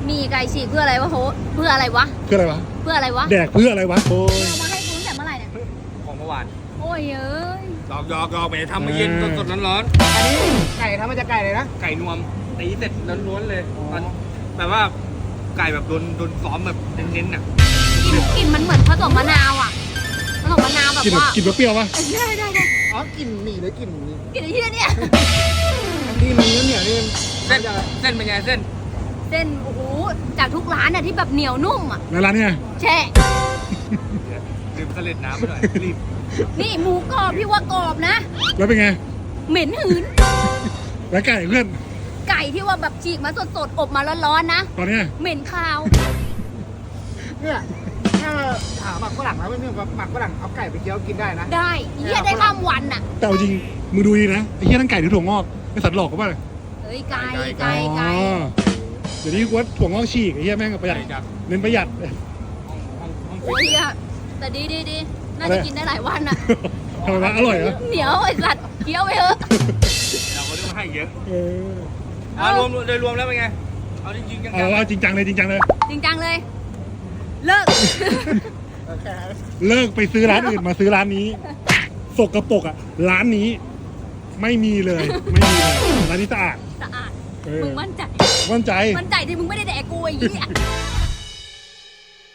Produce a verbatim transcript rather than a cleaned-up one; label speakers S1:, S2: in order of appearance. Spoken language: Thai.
S1: มีไก่ฉีกเพื่ออะไรวะโหเพื่ออะไรวะ
S2: เพื่ออะไรวะ
S1: เพื่ออะไรวะ
S2: แดกเพื่ออะไรวะโอ้ย
S1: เอามาให้กูตั้งแต่เมื่อไหร่เนี่ย
S3: ของเมื่อวาน
S1: โอ้ยเอ้ย
S3: หยอกหยอกหยอกไปทำมาเย็นสดๆร้อน
S4: อันนี้ไก่ทำมาจากไก่เลยนะ
S3: ๆไก่นวมตีเสร็จล้วนๆเลยตอนแบบว่าไก่แบบโดนโดนซ้อมแบบเน้นๆอ่ะ
S1: กลิ่นกลิ่นมันเหมือนผสมมะนาวอ่ะผสมมะนาวแบบ
S2: กินแบบ
S1: ว่า
S2: กินแบบเปรี้ยวปะ
S1: ได้ได้ได้
S4: อ๋อกลิ่นหมี่หรือกลิ่น
S1: กลิ่นไอ้ที่เนี่ย
S4: ที่มันเหนียวๆนี่
S3: เส้นเส้นเป็นไงเส้น
S1: เส้นโอ้โหจากทุกร้านอ่ะที่แบบเหนียวนุ่มอ่ะ
S2: ในร้านเนี่ย
S1: แช่
S3: ดื่มเสล็ดน้ำไปหน่อยรีบ
S1: นี่หมูกรอบพี่ว่ากรอบนะ
S2: แล้วเป็นไง
S1: เหม็นหืน
S2: แล้วไก่เพื่อน
S1: ไก่ที่ว่าแบบฉีกมาสดๆอบมาร้อนๆนะ
S2: ตอนเนี้ย
S1: เหม็นคาว
S4: เนี่ยถ้าถามหมักฝรั่งแล้วไม่เนี่ยหมักฝรั่งเอาไก่ไปเคี้ยวกินได้นะ
S1: ได้เยี่ยได้ข้ามวันอ่ะ
S2: แต่เอาจริงมึงดูดีนะไอ้เหี้ยทั้งไก่ทั้งถั่วงอกไอ้สัตว์หลอกเขาป่ะ
S1: เฮ้ยไก่ไก่ไก่
S2: อ๋อเดี๋ยวนี้กูว่าถั่วงอกฉีกไอ้เหี้ยแม่งประหยัด
S3: ไก่จาก
S2: เน้นประหยัด
S3: ห้องห้องห้อง
S1: โอ้ยอะแต่ดีดีดีน่าจะกินได้หลายวันอ่ะ
S2: ทำไมวะอร่อยเหรอ
S1: เหนียวไอ้สัตว์เคี้ยวไปเถอะ
S3: เราก็ต้องให้เยอะ
S2: เออ
S3: อ่ารวมโดยรวมแล้วเป็นไงเอาจริงๆจัง
S2: เอาเอาจริงจังเลยจริงจังเลย
S1: จริงจังเลย เลิก
S4: โอเค
S2: เลิกไปซื้อร้านอื่นมาซื้อร้านนี้สกปรกอ่ะร้านนี้ ไม่มีเลยไม่มีเลยร้านนี้สะอาด
S1: สะอาด
S2: เออ
S1: มึงมั่นใจ
S2: มั่นใจ
S1: มั่นใจที่มึงไม่ได้แดกกูไอ้เหี้ย